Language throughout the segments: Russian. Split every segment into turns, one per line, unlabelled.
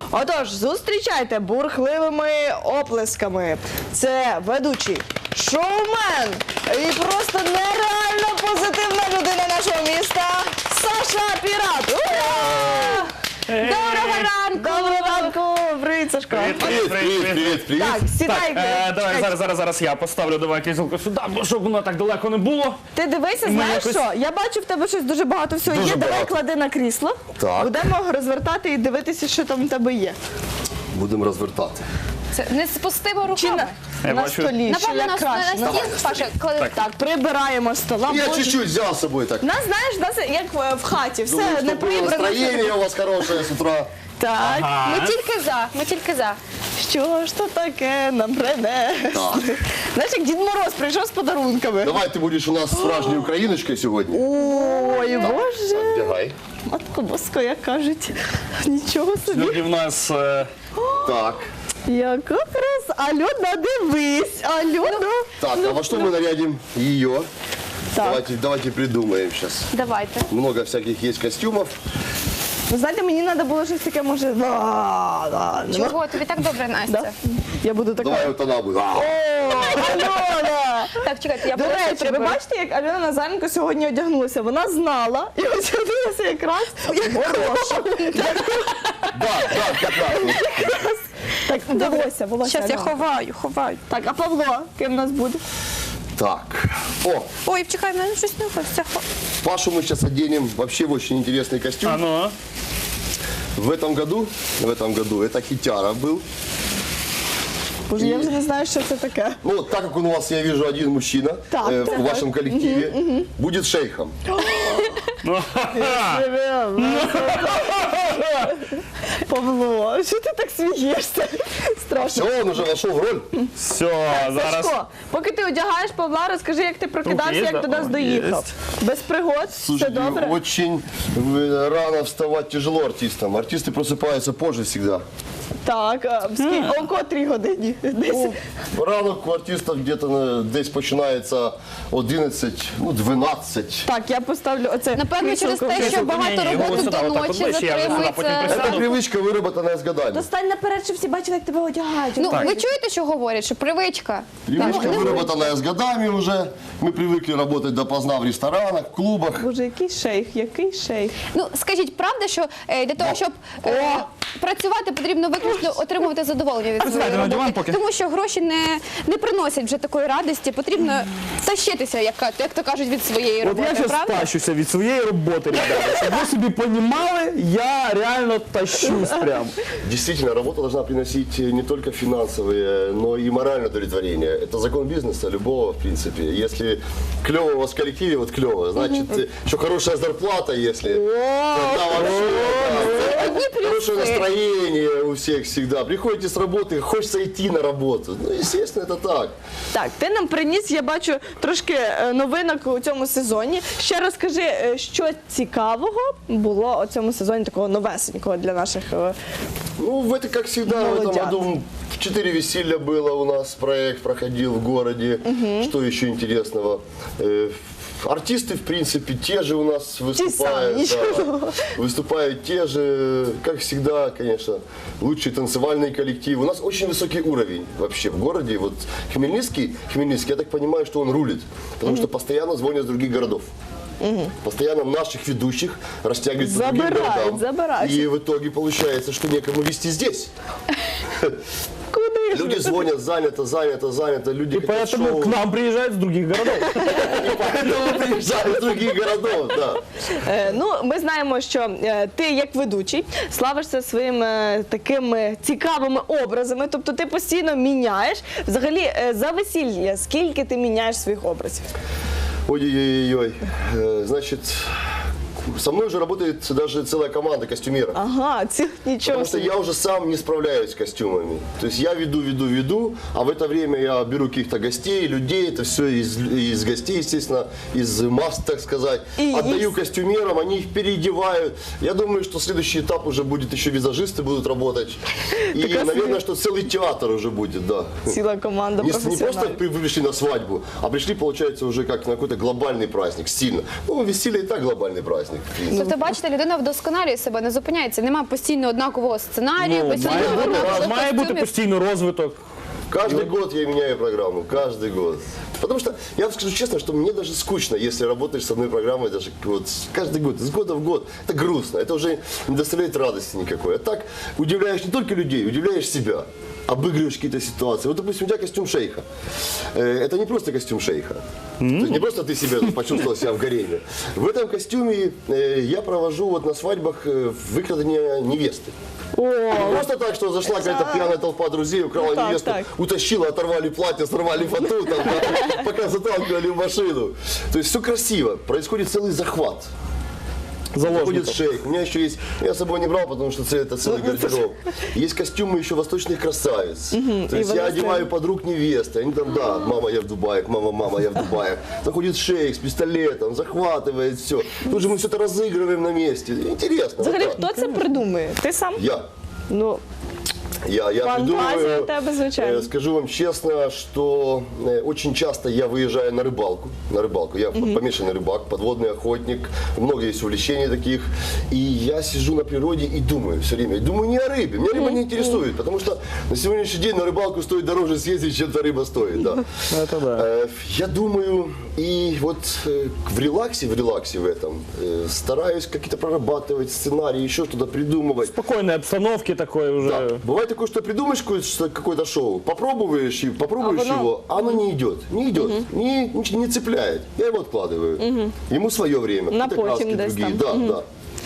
Отож, зустрічайте бурхливими оплесками. Це ведучий, шоумен і просто нереально позитивна людина нашого міста Саша Пірат. Ура!
Доброго ранку!
Доброго ранку! Привіт, Сашко!
Привіт.
Так, сідай.
Давай, зараз я поставлю, давай кріселко сюди, бо щоб воно так далеко не було.
Ти дивися, знаєш
якось-
що? Я бачу в тебе щось дуже багато всього
Дуже
є. Давай
багато.
клади на крісло.
Так.
Будемо розвертати і дивитися, що там в тебе є.
Будемо розвертати.
Це не з пустими
Чи
руками.
Я
на
бачу.
столі, що
Напевно,
як
на
краще.
стіл, Паша, клади.
Так, прибираємо стола.
Я
Боже.
чуть-чуть взял с собой так.
Нас, знаєш, як в хаті, все
Думаю,
не
что было
прибрано.
настроение у вас хорошее с утра.
Так,
Ми тільки за.
що ж то таке нам принесли? Знаєш, як Дід Мороз прийшов з подарунками.
Давай ты будешь у нас справжньою україночкою сьогодні.
Ой, Боже.
Бігай.
Матко Боска, як кажуть. Нічого собі.
Сьогодні в нас... Так.
Яка краса. Альона, дивись. Альона.
Так, а во что мы нарядим ее?
Так.
Давайте придумаем сейчас.
Давайте.
Много всяких есть костюмов.
Ви знаєте, мені треба було щось таке, може...
Чого? Тобі так добре, Настя.
Да? Я буду така.
Давай вот она будет.
О, Альона!
Так, чекайте, я
До
просто
речі, ви
приберу.
бачите, як Альона Назаренко сьогодні одягнулася? Вона знала і одягнулася якраз хороша.
Да, как раз.
Так, волосся.
Щас я
Альона.
ховаю.
Так, а Павло, ким у нас буде?
Так. О,
Ой, чекай, в мене щось нюхається.
Пашу мы сейчас оденем вообще в очень интересный костюм.
Ну,
В этом году это хитяра был.
Боже, я вже не знаю, що це таке.
Ну, так как у вас, я вижу, один мужчина
Так,
в вашем коллективе, будет шейхом.
Павло, що ти так смієшся? Страшно.
Все, он уже вошел в роль.
все, зараз.
Сашко, поки ти одягаєш Павла, розкажи, як ти прокидався,
Руки є,
як до
да?
нас
О,
доїхав. Без пригод, все
Слушайте,
добре?
очень рано вставать тяжело артистам. Артисты просыпаются позже всегда.
Так, о котрій годині? Десь.
Ну, ранок у артистів десь починається 11, 12.
Так, я поставлю оце.
Напевно, через те, що багато
Ні,
роботи
сюди,
до
отак от
ночі
ближче, я вже сюди потім
затримується.
Это привычка, выработанная с годами.
Достань наперед, щоб всі бачили, як тебе одягають.
Ну, ви чуєте, що говорять? Що привичка.
Привычка, выработанная с годами уже. Мы привыкли работать допоздна в ресторанах, в клубах.
Боже, який шейх, який шейх.
Ну, скажіть, правда, що для того, щоб працювати, потрібно виключно отримувати задоволення від своєї
Знаєте, на диван
роботи?
поки.
Тому що гроші не приносять вже такої радості, потрібно тащитися, як то кажуть, від своєї
От
роботи,
я зараз
правда?
тащуся від своєї роботи, ребята. Щоб ви собі понімали, я реально тащусь прям.
Действительно, работа должна приносить не только финансовые, но и моральное удовлетворение. Это закон бизнеса любого, в принципе. Если клево у вас в коллективе, вот клево, значит, еще хорошая зарплата, если. Тогда вообще, да, хорошее настроение у всех всегда. Приходите с работы, хочется идти на работу. Ну, естественно, это так.
Так, ти нам приніс, я бачу, трошки новинок у цьому сезоні. Ще розкажи, що цікавого було у цьому сезоні такого новесенького для наших.
Ну, в это, как всегда, в этом
Молодят.
году 4 веселья было у нас, проект проходил в городе. Что еще интересного? Артисты, в принципе, те же у нас выступают.
ничего.
Да. Выступают те же, как всегда, конечно, лучший танцевальный коллектив. У нас очень высокий уровень вообще в городе. Вот Хмельницкий, я так понимаю, что он рулит, потому что постоянно звонят с других городов. Постоянно наших ведущих растягивают по другим городам.
забирают.
И в итоге получается, что некому вести здесь.
Куди ж?
Люди звонят, занято, люди
И
хотят
поэтому
шоу.
к нам приезжают с других городов.
И поэтому приезжают с других городов, да.
Ну, ми знаємо, що ти як ведучий славишся своїми такими цікавими образами, тобто ти постійно міняєш. Взагалі, за весілля, скільки ти міняєш своїх образів?
Ой-ой-ой. Значит, со мной уже работает даже целая команда костюмеров.
Ага, нічого
Потому что
собі.
я уже сам не справляюсь с костюмами. То есть я веду, а в это время я беру каких-то гостей, людей, это все из гостей, естественно, из масс, так сказать.
И
Отдаю
есть-
костюмерам, они их переодевают. Я думаю, что следующий этап уже будет, еще визажисты будут работать. И,
Так, а
наверное, что целый театр уже будет, да.
Ціла команда
Не просто
професіоналів.
вы пришли на свадьбу, а пришли, получается, уже как на какой-то глобальный праздник, сильно. Ну, веселье и так глобальный праздник. в принципе.
Тобто, бачите, людина вдосконалює себе, не зупиняється. Немає постійно однакового сценарію,
Ну,
постійно
має
однакових
має бути
костюмів.
постійно розвиток.
Каждый год я меняю программу, каждый год. Потому что, я вам скажу честно, что мне даже скучно, если работаешь с одной программой, даже вот каждый год, с года в год. Это грустно, это уже не доставляет радости никакой. А так удивляешь не только людей, удивляешь себя, обыгрываешь какие-то ситуации. Вот, допустим, у тебя костюм шейха. Это не просто костюм шейха. То есть не просто ты себя почувствовал себя в гареме. В этом костюме я провожу вот на свадьбах выкрадывание невесты. Не просто так, что зашла какая-то пьяная толпа друзей, украла
так,
невесту,
так.
утащила, оторвали платье, сорвали фату, там, да, пока заталкивали в машину. То есть все красиво, происходит целый захват. Заходит
Заложников.
шейх. У меня еще есть, я с собой не брал, потому что это целый гардероб. Есть костюмы еще восточных красавиц. То есть я одеваю подруг невесты. Они там, да, мама, я в Дубае, мама, я в Дубае. Заходит шейх с пистолетом, захватывает все. Тут же мы все это разыгрываем на месте. Интересно.
Взагалі,
вот так.
хто це придумує? Ти сам?
Я.
Ну,
Я
Фантазия
придумываю,
у тебя звучит.
скажу вам честно, что очень часто я выезжаю на рыбалку. Я помешанный рыбак, подводный охотник, много есть увлечений таких. И я сижу на природе и думаю все время. И думаю не о рыбе, меня рыба не интересует, потому что на сегодняшний день на рыбалку стоит дороже съездить, чем эта рыба стоит. Да.
Это да.
Я думаю, и вот в релаксе в этом стараюсь какие-то прорабатывать сценарии, еще что-то придумывать.
Спокойной обстановки такой уже.
Да. Бывает такое, что придумаешь какое-то шоу, попробуешь его, а оно не идет, не цепляет. Я его откладываю. Ему свое время,
На
какие-то краски
потім десь
другие.
там.
Да.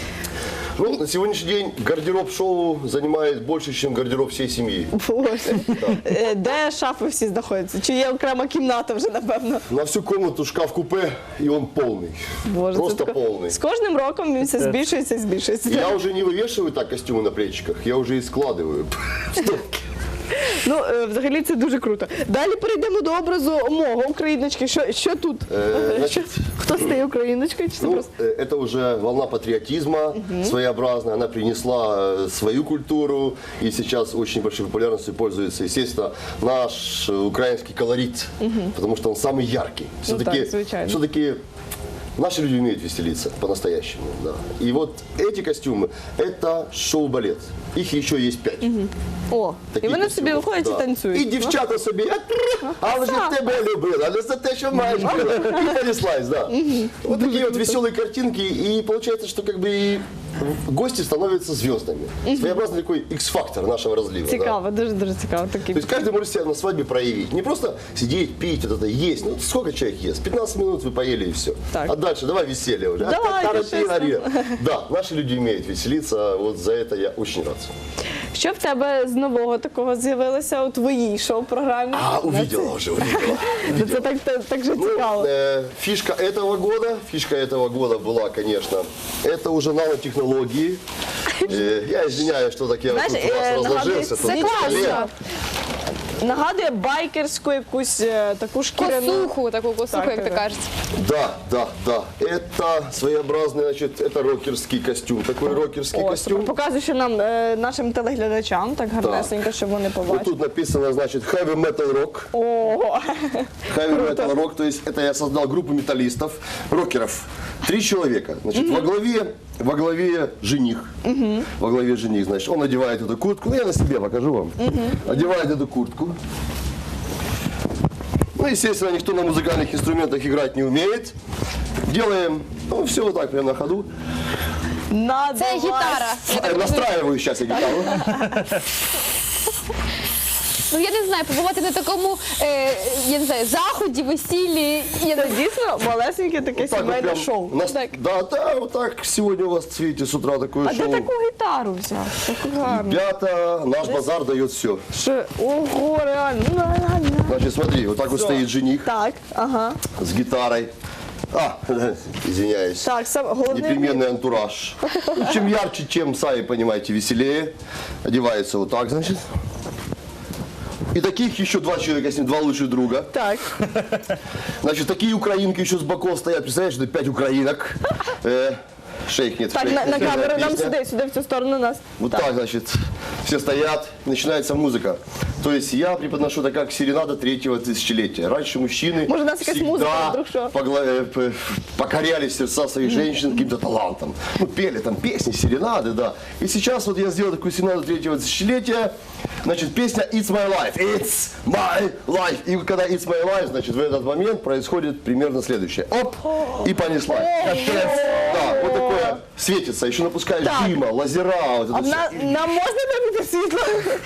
Ну, на сегодняшний день гардероб шоу занимает больше, чем гардероб всей семьи.
Боже. Де шафи всі знаходяться? Чи є окрема кімната вже, напевно?
На всю комнату шкаф-купе, и он полный.
Боже,
Просто
це таке-
полный.
З кожним роком він все збільшується і збільшується.
Я уже не вывешиваю так костюмы на плечиках, я уже и складываю. Стопки.
Ну, взагалі це дуже круто. Далі перейдемо до образу мого україночки. Що тут?
Значит,
Хто стає україночкою? Чи це
ну,
просто?
это уже волна патриотизма своеобразная. Она принесла свою культуру и сейчас очень большой популярностью пользуется, естественно, наш украинский колорит, потому что он самый яркий.
так, звичайно.
Все-таки наши люди умеют веселиться по-настоящему. Да. И вот эти костюмы – это шоу-балет. Их еще есть 5.
О, і
Таких
вони собі
костюмів,
виходять
да.
і танцюють.
І дівчата собі, а вже тебе любила, але за те, що маєш было. И понеслась, да. Вот такие вот веселые картинки, и получается, что как бы и гости становятся звездами. Своеобразный такой X-фактор нашего разлива. да.
Цікаво, дуже дуже цікаво. Такі.
То есть каждый может себя на свадьбе проявить. Не просто сидеть, пить, вот это есть. Ну, сколько человек ест? 15 минут вы поели и все.
Так.
А дальше давай веселье уже.
Давай,
Тарантино. Да, наши люди умеют веселиться. Вот за это я очень рад.
Що в тебе з нового такого з'явилося у твоїй шоу-програмі?
Увидела уже, увидела.
Це так же
Ну,
цікаво.
фишка этого года была, конечно, это уже нанотехнологии. Я извиняюсь, что так я
Знаешь,
тут у вас разложился.
нагадывает-
тут
Це
на столе.
класно.
Нагадує байкерську якусь таку шкіряну.
Косуху, таку косуху,
Так,
як то
так.
кажуть.
Да. Это своеобразный, значит, это рокерский костюм. Такой рокерский
О,
костюм.
показуючи нам нашим телеглядачам, так гарнесенько, щоб вони
Вот
побачили.
тут написано, значит, heavy metal rock.
Ого!
Heavy metal rock, то есть это я создал группу металлистов, рокеров. 3 человека. Значит, во главе жених. Во главе жених, значит, он одевает эту куртку. Ну, я на себе покажу вам. Одевает эту куртку. Ну, естественно, никто на музыкальных инструментах играть не умеет. Делаем, ну, все вот так, прямо на ходу.
Це гітара. Я так розумію.
Настраиваю сейчас я гитару.
Ну я не знаю, побувати на такому я не знаю, заході, весіллі.
Це дійсно малесеньке таке
Вот так вот
сімейне
прям
шоу.
у нас- Да, вот так сегодня у вас, видите, с утра такое
А де
шоу.
таку гітару взяв? Таку гарну.
Ребята, наш базар дает все.
Що? Ого, реально. Ну.
Значит, смотри, вот так вот стоит жених
Так, ага.
с гитарой. Извиняюсь.
Так, головне.
Непременный антураж. Ну, чем ярче, чем, сами понимаете, веселее. Одевается вот так, значит. И таких еще 2 человека с ним, 2 лучших друга.
Так.
Значит, такие украинки еще с боков стоят. Представляешь, это 5 украинок. Шейх нет.
Так,
шейх,
на
фирменная
камеру нам
песня.
сюди в цю сторону нас.
Вот так, значит, все стоят, начинается музыка. То есть я преподношу это как серенада третьего тысячелетия. Раньше мужчины
Может, у нас какая-то музыка, вдруг что?
покоряли сердца своих женщин каким-то талантом. Ну, пели там песни, серенады, да. И сейчас вот я сделал такую серенаду третьего тысячелетия. Значит, песня It's My Life. It's My Life. И когда It's My Life, значит, в этот момент происходит примерно следующее. Оп! И понеслась. Да, вот такое светится. Еще напускаешь дыма, лазера. Вот это всё.
Нам можна вимкнути світло?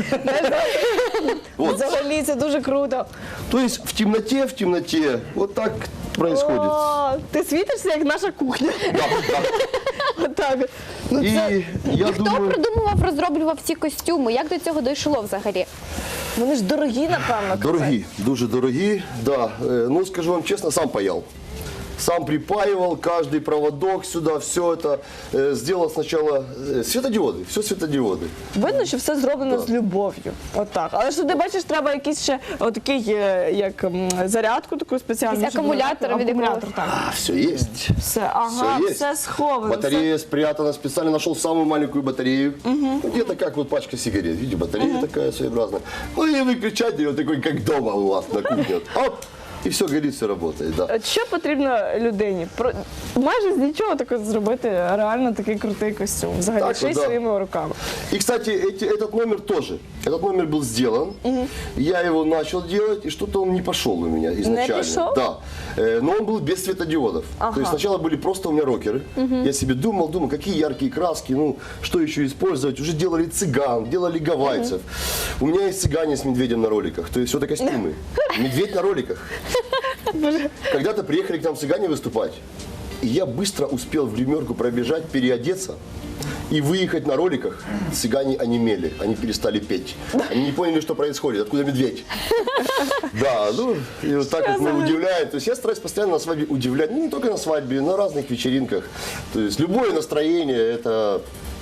Вот.
Взагалі, це дуже круто.
То есть в темноте, вот так происходит.
О, ти світишся, як наша кухня.
Да, да.
Отак. Ну,
И
це,
я
Хто
думаю...
придумував, розроблював ці костюми? Як до цього дійшло взагалі?
вони ж дорогі, напевно.
Дорогі, дуже дорогі, да. Ну, скажу вам честно, сам паял. Сам припаивал каждый проводок сюда, все это. Сделал сначала светодиоды, все светодиоды.
Видно, що все зроблено з любов'ю. Отак. Але ж туди, бачиш, треба якийсь ще отакий, як зарядку таку спеціальну.
Якийсь
щоб
акумулятор
вона-
від
акумулятор,
якогось.
так.
Все есть.
Все, ага,
Все есть.
все сховано.
Батарея спрятана, специально нашел самую маленькую батарею. Ну, где-то как вот пачка сигарет. Видите, батарея такая своеобразная. Ну и выключатель вот такой, как дома у вас на кухне. Оп! И все горит, все работает, да.
От що потрібно людині? Майже з нічого таке зробити реально такий крутий костюм. Взагалі,
Так,
ще й
да.
своїми руками.
И, кстати, этот номер тоже. Этот номер был сделан. Я его начал делать, и что-то он не пошел у меня изначально.
пошел?
Да. Но он был без светодиодов. То есть сначала были просто у меня рокеры. Я себе думал, какие яркие краски, ну, что еще использовать. Уже делали цыган, делали гавайцев. У меня есть цыгане с медведем на роликах. То есть это костюмы. Медведь на роликах. Когда-то приехали к нам цыгане выступать. И я быстро успел в гримерку пробежать, переодеться и выехать на роликах. Цыгане онемели, они перестали петь. Они не поняли, что происходит, откуда медведь. Да, ну, и вот так вот мы удивляем. То есть я стараюсь постоянно на свадьбе удивлять, ну, не только на свадьбе, на разных вечеринках. То есть любое настроение, это...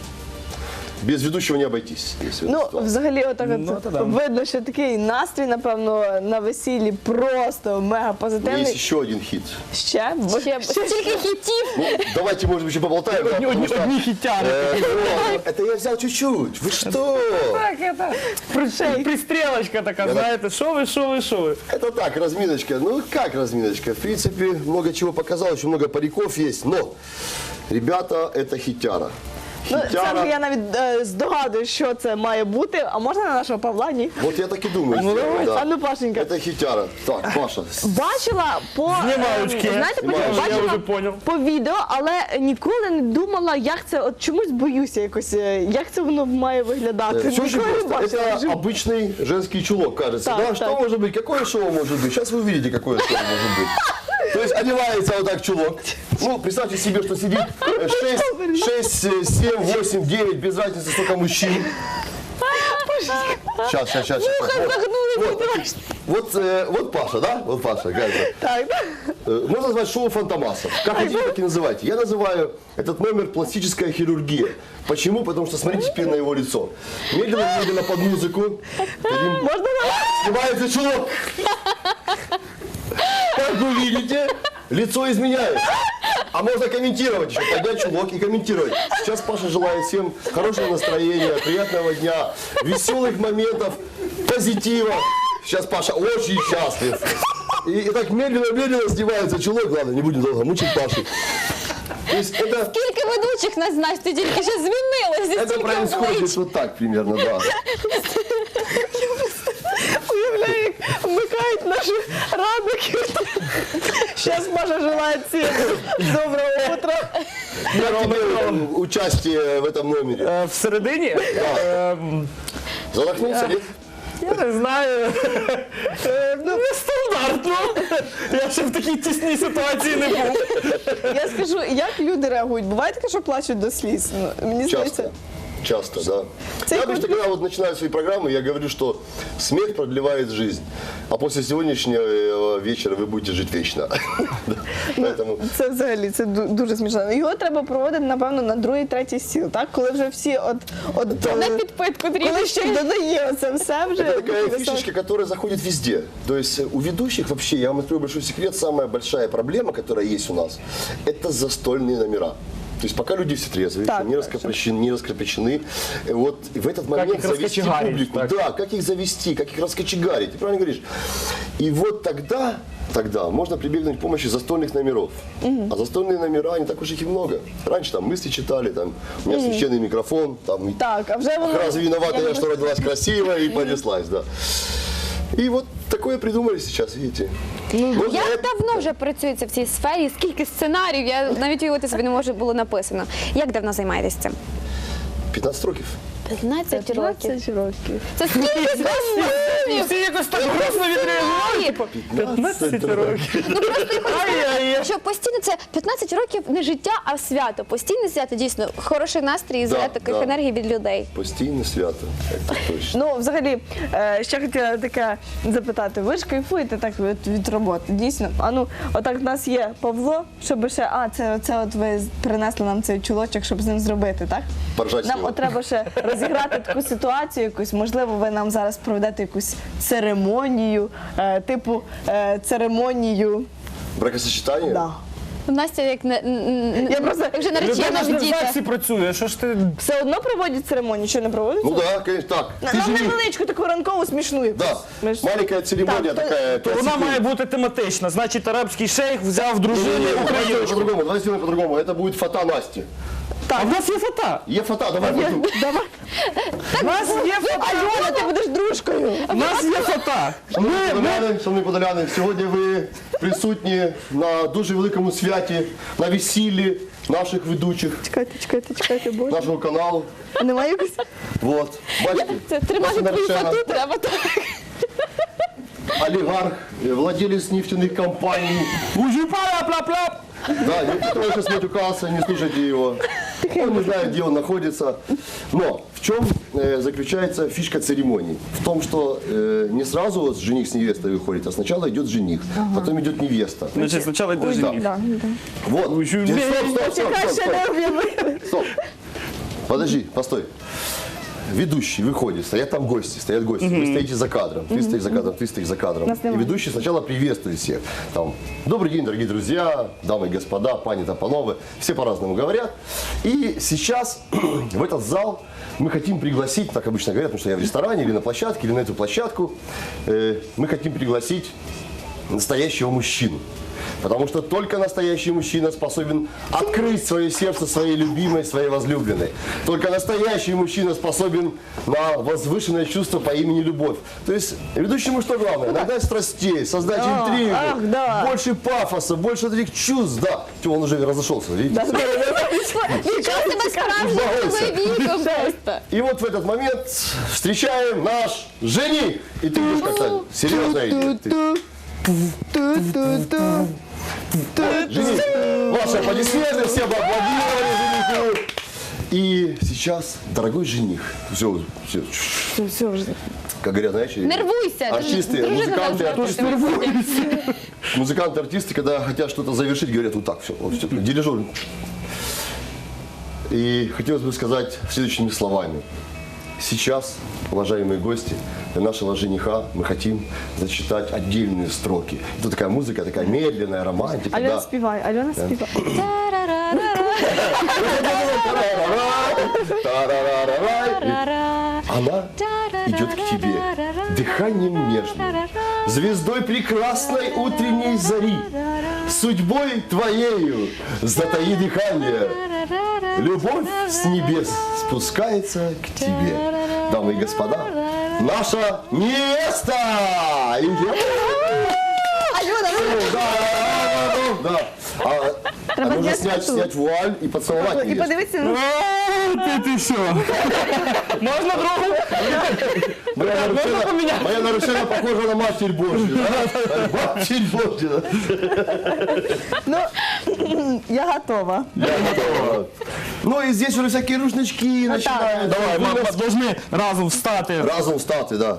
Без ведущего не обойтись. Если
Ну,
это ситуация.
взагалі, отак
Ну,
от
то да.
видно, що такий настрій, напевно, на весіллі просто мега
У меня есть
позитивний.
еще один хит.
Ще?
Ще стільки хітів.
Ну, давайте, может быть, еще поболтаем. да, потому что,
Одні хітяри.
это я взял чуть-чуть. Вы что?
Так, це пристрілочка така, знаєте, що ви.
Это так, разминочка. Ну, как разминочка? В принципе, много чего показал, очень много париков есть. Но, ребята, это хитяра.
Ну, це
Хитяра.
вже я навіть здогадую, що це має бути. А можна на нашого Павла? Ні?
Вот я так и думаю. сделать, да.
А ну, Пашенька.
Это хитяра. Так, Паша.
Бачила по
Знімаючки.
знаєте,
Знімаючки.
бачила
Я вже поняв.
по відео, але ніколи не думала, як це. От чомусь боюся якось, як це воно має виглядати.
Все очень
Ніколи не
просто.
бачила.
Это обычный женский чулок, кажется.
Так,
Да,
так.
что может быть? Какое шоу может быть? Сейчас вы увидите, какое шоу может быть. То есть одевается вот так чулок. Ну, представьте себе, что сидит 6, 7, 8, 9, без разницы, сколько мужчин. Сейчас. Вот Паша, да? Вот Паша, Газа.
Так, так.
Можно назвать шоу фантомасов. Как хотите, так и называйте. Я называю этот номер пластическая хирургия. Почему? Потому что смотрите теперь на его лицо. Медленно под музыку.
Можна
Снимается чулок. Как вы видите, лицо изменяется. А можно комментировать еще, поднять чулок и комментировать. Сейчас Паша желает всем хорошего настроения, приятного дня, веселых моментов, позитива. Сейчас Паша очень счастлив. И так медленно снимается чулок. Ладно, не будем долго мучить Пашу. То есть это...
Скільки ведучих нас знаєш, ти тільки що змінилося,
Это
стільки
происходит
облич.
вот так примерно, да.
уявляю, як вмикають наші радники. Зараз Маша желає всім доброго утра.
Как тебе участие в этом номере?
Всередині?
Задохнулся, нет?
Я не знаю. Нестандартно. Я ще в такій тісній ситуації не був.
Я скажу, як люди реагують? Буває таке, що плачуть до сліз? Ну, мені здається.
Часто, да.
Це
Я
як
обычно, когда вот начинаю свои программы, я говорю, что смех продлевает жизнь. А после сегодняшнего вечера вы будете жить вечно. Поэтому
Це взагалі це дуже смішно. Його треба проводити, напевно, на другий, третій стіл, так? Коли вже всі
На підпитку
коли
трішки.
ще й додає це все вже.
это такая фишечка, которая заходит везде. То есть у ведущих вообще, я вам открою большой секрет, самая большая проблема, которая есть у нас, это застольные номера. То есть пока люди все трезвые,
Так,
еще не раскрепощены, вот в этот момент
их
завести
раскочегарить,
публику.
так.
Да, как их завести, как их раскочегарить, ты правильно говоришь. И вот тогда можно прибегнуть к помощи застольных номеров. А застольные номера, не так уж их и много. Раньше там мысли читали, там, у меня священный микрофон, там,
Так, а вже воно...
разве виновата я, что родилась красиво, и понеслась, да. И вот такое придумали сейчас, видите. Можно
Як давно вже працюється в цій сфері? Скільки сценаріїв? Я навіть уявити собі не можу було написано. Як давно займаєтесь цим?
15 років.
15 років.
15 років.
Це скільки змінів?
Всі якось так грустно відреагували. 15 років.
Ну просто я хочу
Ай-яй-яй.
сказати, що постійно це 15 років не життя, а свято. Постійне свято, дійсно, хороший настрій і заряд таких енергій від людей.
Постійне свято, це точно.
Ну, взагалі, ще хотіла таке запитати. Ви ж кайфуєте так від роботи, дійсно. А ну, отак в нас є Павло, щоб ще, це от ви принесли нам цей чулочок, щоб з ним зробити, так?
Поржать
Нам
його.
от треба ще розіграти таку ситуацію якусь, можливо, ви нам зараз проведете якусь церемонію, типу церемонію.
Бракосочетання?
Да.
Настя як
Я просто-
як вже наречена
Людина ж
в
не в
діти.
ЗАГСі працює, що ж ти...
Все одно проводять церемонію, чи не проводять?
Ну да, конечно, так. Ты
Нам
жених.
невеличку таку ранкову смішну якусь.
Да,
Ми ж-
маленькая церемония
Так,
такая.
То
5
вона
секунд.
має бути тематична. Значить, арабський шейх взяв дружину
Давайте
україночку.
по-другому, давайте сделаем по-другому. Это будет фото Насти.
А в нас є фото.
Е фото, давай пойду.
Давай.
У нас є фото.
Альона, ти будеш дружкою.
У нас є фото.
Шановні подоляни, сьогодні ви присутні на дуже великому святі, на весіллі наших ведучих,
Чекайте, боже.
нашого каналу.
А немає якось?
Вот. Бачите,
Це тримати
наша
твою
наречена,
фату треба так.
олигарх, владелец нефтяных компаний.
Ужипала-пла-пла.
Да, никто сейчас матюкался, не слушайте его. Он не знает, где он находится. Но в чем заключается фишка церемонии? В том, что не сразу вот жених с невестой выходит, а сначала идет жених, потом идет невеста.
Значить, спочатку йде жених.
Да.
Вот.
Ой,
Стоп, стоп,
Чекай,
стоп,
ще не
стоп,
об'явили.
стоп. Подожди, постой. Ведущий выходит, стоят гости. Вы стоите за кадром, ты стоишь за кадром, ты стоишь за кадром.
Нас
И
нема.
ведущий сначала приветствует всех. Там, добрый день, дорогие друзья, дамы и господа, пани та панове. Все по-разному говорят. И сейчас в этот зал мы хотим пригласить, так обычно говорят, потому что я в ресторане или на площадке, или на эту площадку, мы хотим пригласить настоящего мужчину. Потому что только настоящий мужчина способен открыть свое сердце своей любимой, своей возлюбленной. Только настоящий мужчина способен на возвышенное чувство по имени любовь. То есть ведущему что главное? Нагнать страстей, создать интригу,
ах, да.
больше пафоса, больше таких чувств. Да, он уже разошелся, видите?
Нічого себе справжнім чоловіком просто.
И вот в этот момент встречаем наш жених. И ты будешь как-то серьезно идти. Жених, ваши аплодисменты, все бы аплодировали жениху. И сейчас, дорогой жених, все,
Все вже.
как говорят, знаешь,
Нервуйся.
артисты,
Дружина
музыканты,
должна
артисты, музыканты, артисты, когда хотят что-то завершить, говорят вот так, все, вот, все, дирижер. И хотелось бы сказать следующими словами. Сейчас, уважаемые гости, для нашего жениха мы хотим зачитать отдельные строки. Это такая музыка, такая медленная, романтика.
Альона
Да.
співай, Альона співай.
Она идет к тебе дыханием нежным, звездой прекрасной утренней зари, судьбой твоею затаи дыхание. Любовь с небес спускается к тебе. Дамы и господа, наша невеста! Да. А нужно снять вуаль и поцеловать
І
невесту.
подивіться на
Ти що? Можна другу?
Моя нарушена похожа на Матерь Божью. Да? Матерь Божья.
ну, я готова.
Ну и здесь уже всякие рушнички начинают.
Давай, ми повинні разом встати.
Разом встати, да.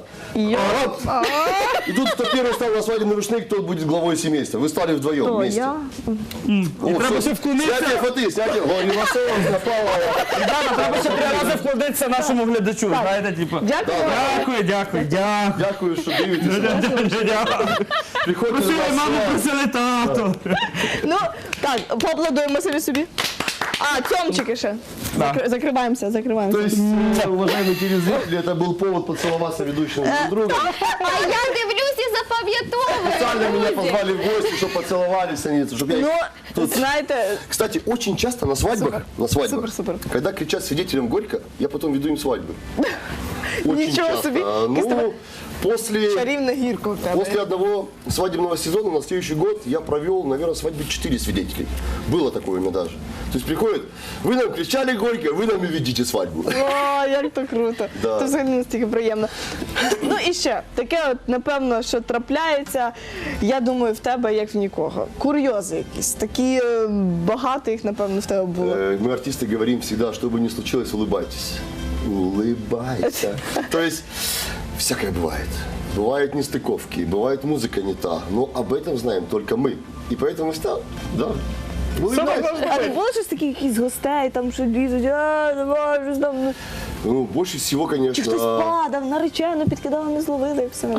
И тут кто первый стал на свадебный рушник, тот будет главой семейства. Вы стали вдвоем
То
вместе.
я.
О,
треба
всё.
ще вклонитися.
Снятие фаты, снятие. О, не напало.
Ребята, треба ще 3 рази вкладатися нашому глядачу. Знаєте, типу.
Дякую.
Дякую.
Дякую, що дивитеся. Приходьте до
Просили
нас.
маму, просили тату.
Ну, так, поаплодуємо самі собі. А, цьомчики ще.
Да.
Закриваємося.
То есть, уважаемые телезрители, это был повод поцеловаться ведущим друг другом.
А я дивлюсь і запам'ятовую.
Специально меня
друзі.
позвали в гости, чтобы поцеловались они, чтобы я их
Ну,
тут...
знаєте,
Кстати, очень часто на свадьбах,
Супер.
когда кричат свидетелям горько, я потом веду им свадьбы. Очень
Ничего
часто.
себе.
Ну, после...
чарівна гірка у тебе.
После одного свадебного сезона на следующий год я провел, наверное, свадьбы 4 свидетелей. Было такое у меня даже. То есть приходят, вы нам кричали горько, вы нам и ведите свадьбу.
О, як то круто.
Да.
Це взагалі настільки приємно. Ну і ще, таке от, напевно, що трапляється, я думаю, в тебе, як в нікого. Курйози якісь. Такі багато їх, напевно, в тебе було.
Мы, артисты, говорим всегда, что бы ни случилось, улыбайтесь. Улыбайся. То есть, всякое бывает. Бывают нестыковки, бывает музыка не та. Но об этом знаем только мы. И поэтому всегда, да, улыбайся.
А не було щось таке, якісь гостей, там що лізуть, давай, щось там. Ну,
Ну, больше всего,
чи хтось
конечно,
падав, наречену підкидав, не зловили, і все.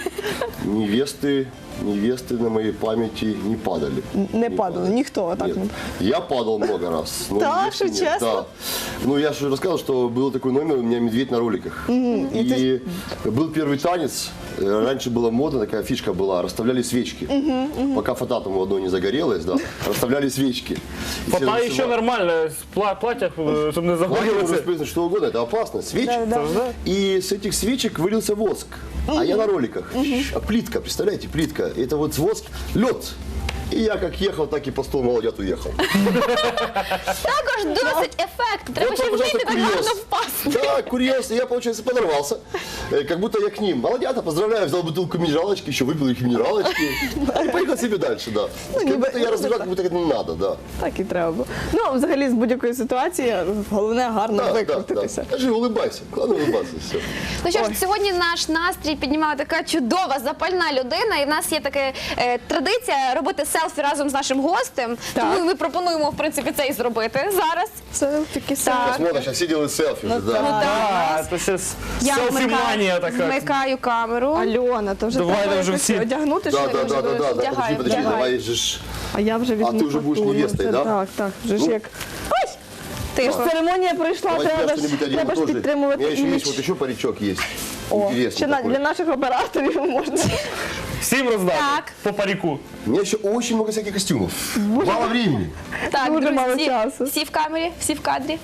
невесты на моей памяти не падали.
Не падало, ніхто отак
Нет.
не.
Я падал много раз. Но
Да,
невесты
что,
нет.
честно?
Да. Ну, я же рассказывал, что был такой номер, у меня медведь на роликах. И был первый танец. Раньше была мода, такая фишка была, расставляли свечки. Пока фата там у одной не загорелась, да, расставляли свечки. И все
Фата
танцевали.
еще нормально, в платьях, чтобы не
Лагерь может
загорелся.
спрятать что угодно, это опасно. Свечи.
Да.
И с этих свечек вылился воск. А я на роликах. А плитка, представляете, плитка. Это вот воск, лед. И я как ехал, так и по столу молодят уехал.
Також досить ефект. Треба
Вот
ще
вам, пожалуйста,
вміти так гарно
курьез.
впасти.
Да, курьез. И я, получается, подорвался. Как будто я к ним. Молодята, поздравляю, взял бутылку минералочки, еще выпил их минералочки. И поехал себе дальше, да. Как будто я разбирал, как будто это не надо, да.
Так і треба було. Ну, взагалі, з будь-якої ситуації, головне гарно
Да,
викрутитися.
Скажи, улыбайся. Главное улыбаться, все.
Ну що ж, сьогодні наш настрій піднімала така чудова, запальна людина. І в нас є така традиція робити селфі разом з нашим гостем.
Так.
Тому ми пропонуємо, в принципі, це і зробити зараз.
Це такі
Сейчас можно, сейчас все делают селфи уже, да.
Да, это сейчас селфи-мания такая.
вмикаю камеру.
Альона, то вже
Давай,
треба
вже
якось
всі.
одягнути,
Да,
що
да,
ли?
да, да, да.
Вдягаю,
Подожди,
вдягаю.
давай же ж.
А я вже візьму
ти вже будеш
фату, ну,
невестою,
це
да?
Так, вже ж
Ну.
як.
Тихо.
Церемонія пройшла,
Давай я
треба
что-нибудь
ж
одену тоже. У
підтримувати
меня еще
імідж.
есть, вот еще паричок есть.
О,
Интересный
ще
такой.
для наших операторів можна.
Всем раздать
Так.
по парику.
У меня еще очень много всяких костюмов. Мало времени.
Так,
Дуже мало
друзі,
часу.
всі в камері, всі в кадрі.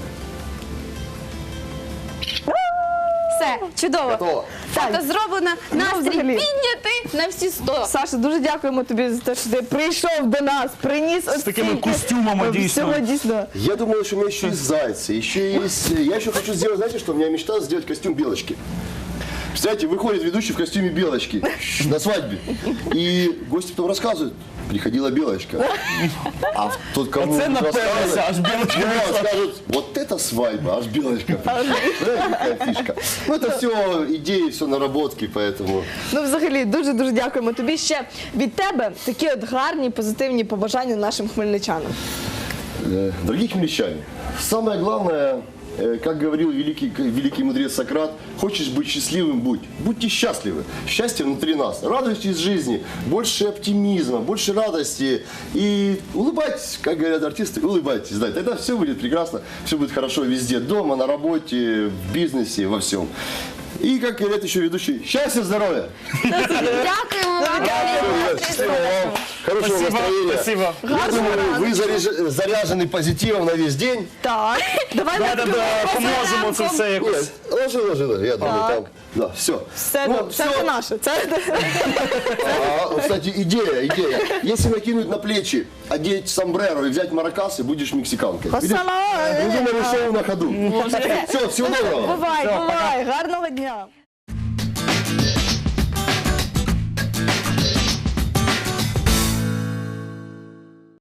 Все, чудово.
Готово.
Фото зроблено, настрій
взагалі.
піднятий на всі 100.
Саша, дуже дякуємо тобі за те, що ти прийшов до нас, приніс от
такими
стільки
костюмами, дійсно.
всього дійсно.
Я думал, что у меня еще есть зайцы, еще есть... Я еще хочу сделать, знаете что? У меня мечта сделать костюм белочки. Представляете, выходит ведущий в костюме белочки на свадьбе. И гости потом рассказывают, приходила белочка. А тот, кому
Оце напевно,
рассказывает,
аж білочка
ну,
вийшла.
скажут, вот это свадьба, аж белочка пришла. Знаете, какая фишка. Ну, это все идеи, все наработки, поэтому...
Ну, взагалі, дуже-дуже дякуємо тобі. Ще від тебе такі от гарні, позитивні побажання нашим хмельничанам.
Дорогие хмельничане, самое главное, как говорил великий мудрец Сократ, хочешь быть счастливым – будь. Будьте счастливы. Счастье внутри нас. Радуйтесь жизни, больше оптимизма, больше радости. И улыбайтесь, как говорят артисты, улыбайтесь. Да, тогда все будет прекрасно, все будет хорошо везде. Дома, на работе, в бизнесе, во всем. И, как говорят еще ведущие, счастья, здоровья!
Дякуємо вам.
Счастливо вам, хорошего
Спасибо,
настроения.
спасибо.
Я думаю, вы заряжены позитивом на весь день.
Так, давай
Да, поможемо це все якось.
Нет, ложи, я думаю, там, да, все.
Все, це наше. Це
Кстати, идея. Если накинуть на плечи, одеть сомбреро и взять маракасы, будешь мексиканкой.
Пасала.
Придумали шоу на ходу. Все, всего доброго.
Бувай, гарного дня.